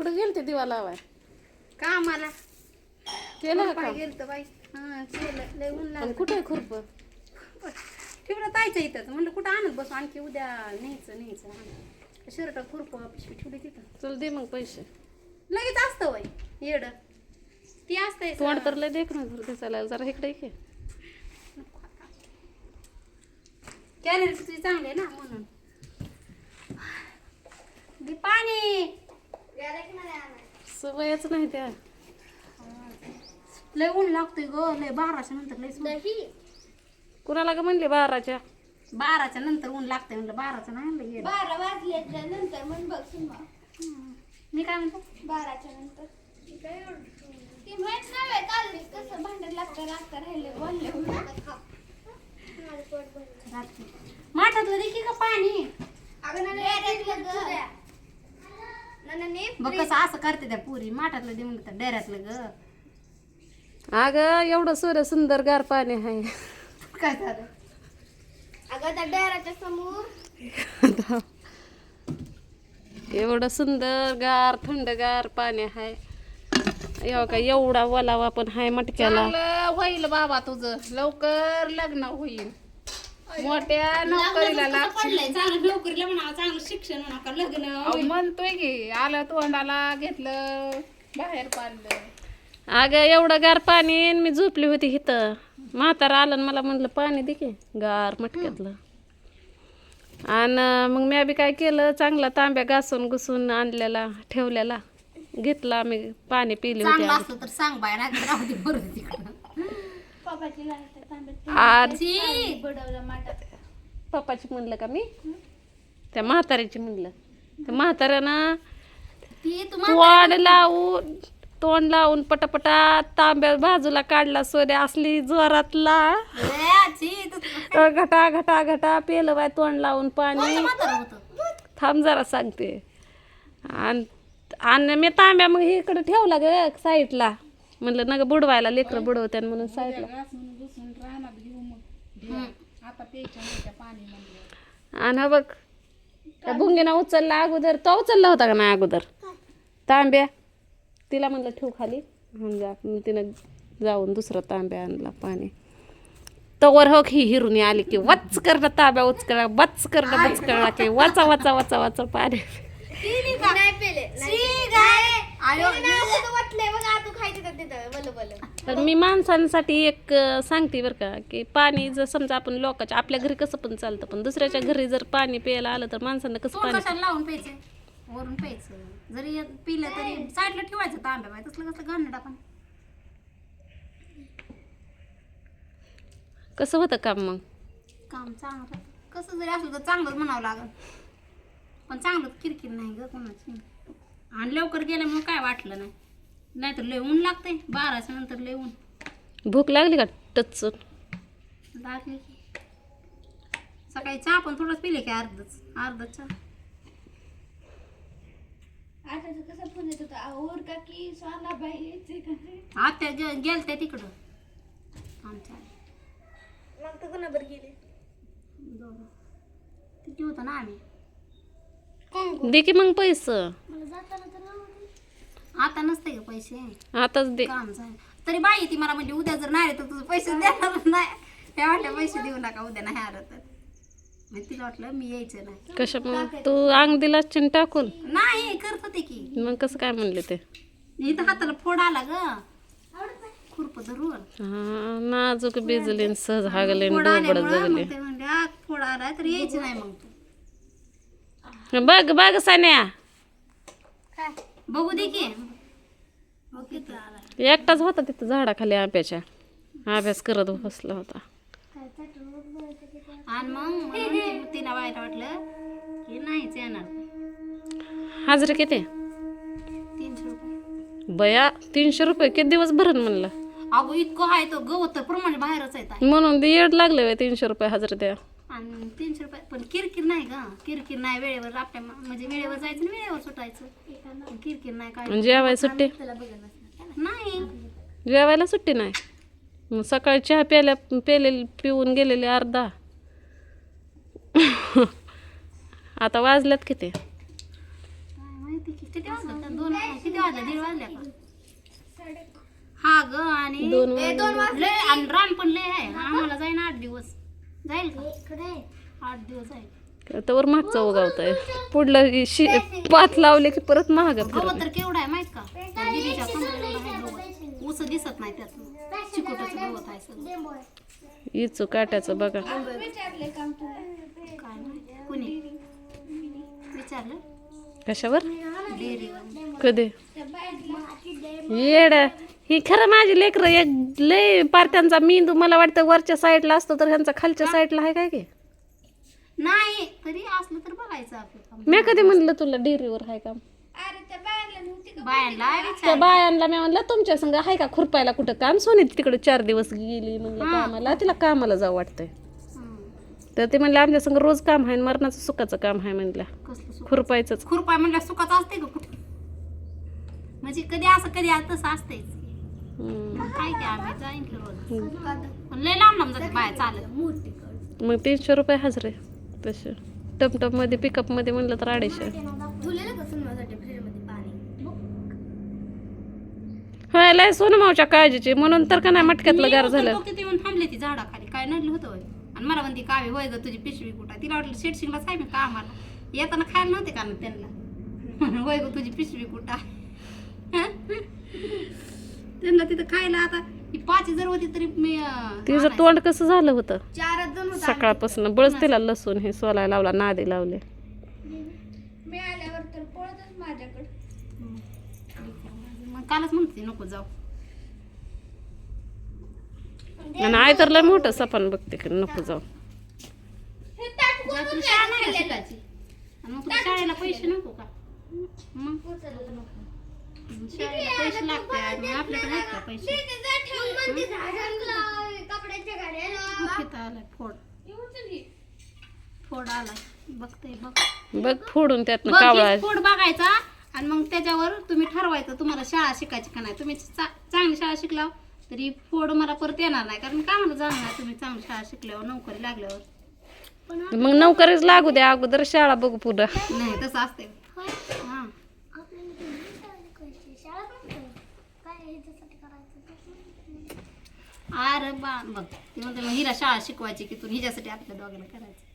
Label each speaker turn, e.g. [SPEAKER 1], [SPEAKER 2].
[SPEAKER 1] कुठं गेलते दिवा लावाय
[SPEAKER 2] का मला
[SPEAKER 1] केलं का
[SPEAKER 2] गेलतं बाई केलं लय ऊन
[SPEAKER 1] पण
[SPEAKER 2] लागलं
[SPEAKER 1] कुठे खुरप
[SPEAKER 2] ठेवलं तायचं इथं म्हणलं कुठं आणत बसू आणखी उद्या न्यायचं शर्ट खुरप पिशवी ठेवली तिथं
[SPEAKER 1] चल दे मग पैसे
[SPEAKER 2] लगेच असतं वय येड ती असतंय
[SPEAKER 1] तोंड तर लय देख ना घर दिसायला जरा इकडे ये
[SPEAKER 2] कॅलरी तुझी चांगली आहे ना म्हणून दे पाणी
[SPEAKER 1] सवयच नाही त्या
[SPEAKER 2] लय ऊन लागतोय ग लय 12च्या नंतर लय
[SPEAKER 1] कुणाला का म्हणले 12च्या
[SPEAKER 2] 12च्या नंतर ऊन लागतंय म्हणलं 12चं नाही म्हणलं येड.
[SPEAKER 3] 12 वाजल्याच्या नंतर म्हण बघ सुमा
[SPEAKER 2] मी काय म्हणतो
[SPEAKER 3] 12च्या नंतर ती माहित नाही काल कसं भांडण लागतं राहिले बोलले
[SPEAKER 2] रात्री माठातलं दे की का पाणी बघ कसं असं करते त्या पुरी माठातलं दे म्हणलं तर डेऱ्यातलं ग
[SPEAKER 1] अगं एवढं सूर्य सुंदर गार पाणी आहे
[SPEAKER 2] काय झालं
[SPEAKER 3] अगं त्या डेराच्या समोर
[SPEAKER 1] एवढं सुंदर गार थंडगार पाणी आहे एवढा वलावा पण आहे मटक्याला
[SPEAKER 2] चांगलं होईल बाबा तुझं लवकर लग्न होईल मोठ्या नोकरीला लागशील चांगलं नोकरीला म्हणा चांगलं शिक्षण म्हणा का लग्न म्हणतोय की आलं तोंडाला घेतलं बाहेर पाडलं
[SPEAKER 1] अगं एवढं गार पाणी आणि मी झोपली होती इथं म्हातारा आलं आणि मला म्हणलं पाणी दे की गार मटक्यातलं आणि मग मी बी काय केलं चांगला तांब्या घासून घुसून आणलेला ठेवलेला घेतला आम्ही पाणी पिले होते
[SPEAKER 2] चांगलं असलं तर सांग बाय नाही राहू दे बरं तिकडं
[SPEAKER 3] पप्पाची लागते तांब्यात
[SPEAKER 1] आज
[SPEAKER 3] बडवलं माटात
[SPEAKER 1] पप्पाची म्हणलं का मी त्या म्हाताऱ्याची म्हणलं त्या म्हाताऱ्यानं
[SPEAKER 2] ती
[SPEAKER 1] तोंड लावून पटापटा तांब्या बाजूला काढला सोन्या असली जोरातला घटा घटा घटा पेलं बाय तोंड लावून पाणी थांब जरा सांगते आणि मी तांब्या मग इकडे ठेवला ग साईडला म्हणलं ना ग बुडवायला लेकरं बुडवत्यान म्हणून साईडला आणि बघ त्या भुंगीनं उचलला अगोदर तो उचलला होता का नाही अगोदर तांब्या तिला म्हणलं ठेव खाली तिनं जाऊन दुसरा तांब्या आणला पाणी तवर हो ही हिरून आली की वच करणं तांब्या उचकला बच करणं बच करणं की वाचा वाचा वाचा वाचा पाणी तर मी माणसांसाठी एक सांगते बरं का की पाणी जर समजा आपण लोकांच्या आपल्या घरी कसं पण चालतं पण दुसऱ्याच्या घरी जर पाणी प्यायला आलं तर माणसांना कसं पाणी
[SPEAKER 2] लावून प्यायचं वरून प्यायचं जरी पिलं तरी साईडला ठेवायचं तांब्या बाय तसलं कसलं घालणं आपण
[SPEAKER 1] कसं होतं काम मग
[SPEAKER 2] काम चांगलं कसं जरी असलं तर चांगलंच म्हणावं लागल पण चांगलं किरकिर नाही ग कोणाची आणि लवकर गेल्यामुळे काय वाटलं नाही नाहीतर लय ऊन लागतंय 12च्या नंतर लय ऊन
[SPEAKER 1] भूक लागली का टचून
[SPEAKER 2] लागली की सकाळी चहा पण थोडंच पिले की अर्धा चहा
[SPEAKER 3] आता कसं फोन येत होता और का की स्वाला बाई यायचे का
[SPEAKER 2] आत्या गेलत्या तिकडं आमच्या
[SPEAKER 3] मग तर कोणाबर गेले
[SPEAKER 2] तिथे होतं ना आम्ही
[SPEAKER 1] दे की मग पैसे
[SPEAKER 3] मला जाताना तर
[SPEAKER 2] आता नसते का पैसे
[SPEAKER 1] आताच दे
[SPEAKER 2] काम झालं तरी बाई ती मला म्हणजे उद्या जर नाही आले तर तुझं पैसे देणार नाही त्या वाटल्या पैसे देऊ नका उद्या नाही आलं तर मग तिला वाटलं मी यायचं नाही
[SPEAKER 1] कशा मग तू अंग दिला चिन टाकून
[SPEAKER 2] नाही करत होते की
[SPEAKER 1] मग कसं काय म्हणले ते
[SPEAKER 2] इथं हाताला फोड आला ग खुरप धरून
[SPEAKER 1] हा नाजूक बिजले सहज हागले
[SPEAKER 2] फोड
[SPEAKER 1] डोबड
[SPEAKER 2] आल्यामुळं
[SPEAKER 1] जगले
[SPEAKER 2] मग ते म्हणले फोड आलाय तर यायचं नाही मग तू
[SPEAKER 1] बघ बघ सान्या
[SPEAKER 3] काय
[SPEAKER 2] बघू दे की बघ किती आला
[SPEAKER 1] एकटाच होता तिथं झाडाखाली आंब्याच्या अभ्यास करत बसला होता
[SPEAKER 3] काय चाटून मग बोलायचं की काय
[SPEAKER 2] आणि मग मला म्हणते, तिला वाईट वाटलं की नाहीच येणार
[SPEAKER 1] हाजरी किती
[SPEAKER 2] 300 रुपये
[SPEAKER 1] बया 300 रुपये किती दिवस भरण म्हणलं
[SPEAKER 2] अगो इतकं आहे तो गवत तर प्रमाणे बाहेरच येत
[SPEAKER 1] म्हणून ते येड लागले 300 रुपये हजरी द्या
[SPEAKER 2] आणि 300 रुपये पण किरकिर नाही ग किरकिर नाही वेळेवर आपल्या म्हणजे वेळेवर जायचं आणि वेळेवर सुटायचं किरकिर नाही काय
[SPEAKER 1] आणि जेवायला सुट्टी
[SPEAKER 2] नाही
[SPEAKER 1] जेवायला सुट्टी नाही मग सकाळी चहा पिऊन गेलेले अर्धा आता वाजल्यात किती
[SPEAKER 2] काय माहिती किती वाजता 2 किती वाजल्या 1:30 वाजल्या का हा ग आणि
[SPEAKER 1] 2
[SPEAKER 2] लय आणि रान पण लय आहे आम्हाला जाईन 8 दिवस जाईल का 8 दिवस आहे
[SPEAKER 1] तवर मागचं उगावतंय पुढलं पात लावले की परत महाग
[SPEAKER 2] गवत तर केवढं आहे माहित का त्या दीदीच्या कमरेला एवढं आहे गवत ऊस दिसत नाही त्यात चिकोटाचं गवत आहे सगळं
[SPEAKER 1] इचू काट्याचं बघा
[SPEAKER 3] विचारले काम तुला
[SPEAKER 2] काय माहिती कुणी विचारलं
[SPEAKER 1] कशावर
[SPEAKER 2] डेअरीवर
[SPEAKER 1] कधी येड ही खरं माझी लेकरं एक लय पार्ट्यांचा मेंदू मला वाटतं वरच्या साईडला असतो तर ह्यांचा खालच्या साईडला आहे काय की
[SPEAKER 2] नाही तरी असलं तर बघायचं आपलं
[SPEAKER 1] मी कधी म्हणलं तुला डेअरीवर आहे काम
[SPEAKER 3] अरे त्या बायांना नव्हती का
[SPEAKER 2] बायांना
[SPEAKER 1] त्या
[SPEAKER 2] विचार
[SPEAKER 1] बायांना मी म्हणलं तुमच्या संग आहे का खुरपायला कुठं काम सोनी तिकडे 4 दिवस गेली म्हणलं कामाला तिला कामाला जाऊ वाटतंय तर ते म्हणलं आमच्या संग रोज काम आहे मरणाचं सुखाचं काम आहे म्हणलं
[SPEAKER 2] कसलं सुख
[SPEAKER 1] खुरपायचंच
[SPEAKER 2] खुरपाय म्हणलं सुखाचं असते का कुठं म्हणजे कधी असं कधी तसं असतेच काय की आम्ही जाईन की रोज पण लय लांब लांब जाते बाया चालत
[SPEAKER 1] मग 300 रुपये हजरे तसे टपटप मध्ये पिकअप मध्ये म्हणलं तर 250 होय लय सोनू मावच्या काळजीची म्हणून तर का नाही मटक्यातलं गार झालं
[SPEAKER 2] किती येऊन थांबले ती झाडाखाली काय नडलं होतं होय. आणि मला म्हणते कावे होय ग तुझी पिशवी कुठं तिला वाटलं शेटशिंगलाच आहे मी कामाला येताना खायला नव्हते का ना त्यांना होय ग तुझी पिशवी कुठं आहे? त्यांना तिथं खायला आता ही 5 जर होती तरी मी
[SPEAKER 1] तिचं तोंड कसं झालं होतं
[SPEAKER 3] 4
[SPEAKER 1] सकाळपासून बळच तिला लसूण हे सोलाय लावला नादी लावले
[SPEAKER 3] मी आल्यावर तर पळतच माझ्याकडे
[SPEAKER 2] मग कालच म्हणते नको जाऊ
[SPEAKER 1] आणि आई तर लय मोठं सपन बघते की नको जाऊ
[SPEAKER 3] हे ताट
[SPEAKER 2] तुला
[SPEAKER 3] कोणून
[SPEAKER 2] शाळा नाही का
[SPEAKER 3] खाल्लेलं?
[SPEAKER 2] शिकायची आणि मग तुला शाळेला पैसे नको का मग शाळेला पैसे लागतात मग आपल्याकडे आहेत का पैसे
[SPEAKER 3] तिथे जा ठेवून म्हणते झाडांना, कपड्याच्या गाड्याला.
[SPEAKER 2] तिथं आलाय फोड फोड आलाय बघते बघ
[SPEAKER 1] बघ फोडून त्यातनं
[SPEAKER 2] बघ,
[SPEAKER 1] कावळा
[SPEAKER 2] हेच फोड बघायचा आणि मग त्याच्यावर तुम्ही ठरवायचं तुम्हाला शाळा शिकायची का नाही तुम्ही चांगली शाळा शिकलाव तरी फोड मला परत येणार नाही कारण का मला जाणार नाही तुम्ही चांगली शाळा शिकल्यावर नोकरी लागल्यावर
[SPEAKER 1] मग नोकरीच लागू द्या अगोदर शाळा बघू पुढं
[SPEAKER 2] नाही तसं असते हा अरे बा बघ ती म्हणते मग हिला शाळा शिकवायची की तू हिच्यासाठी आपल्या दोघांना करायचं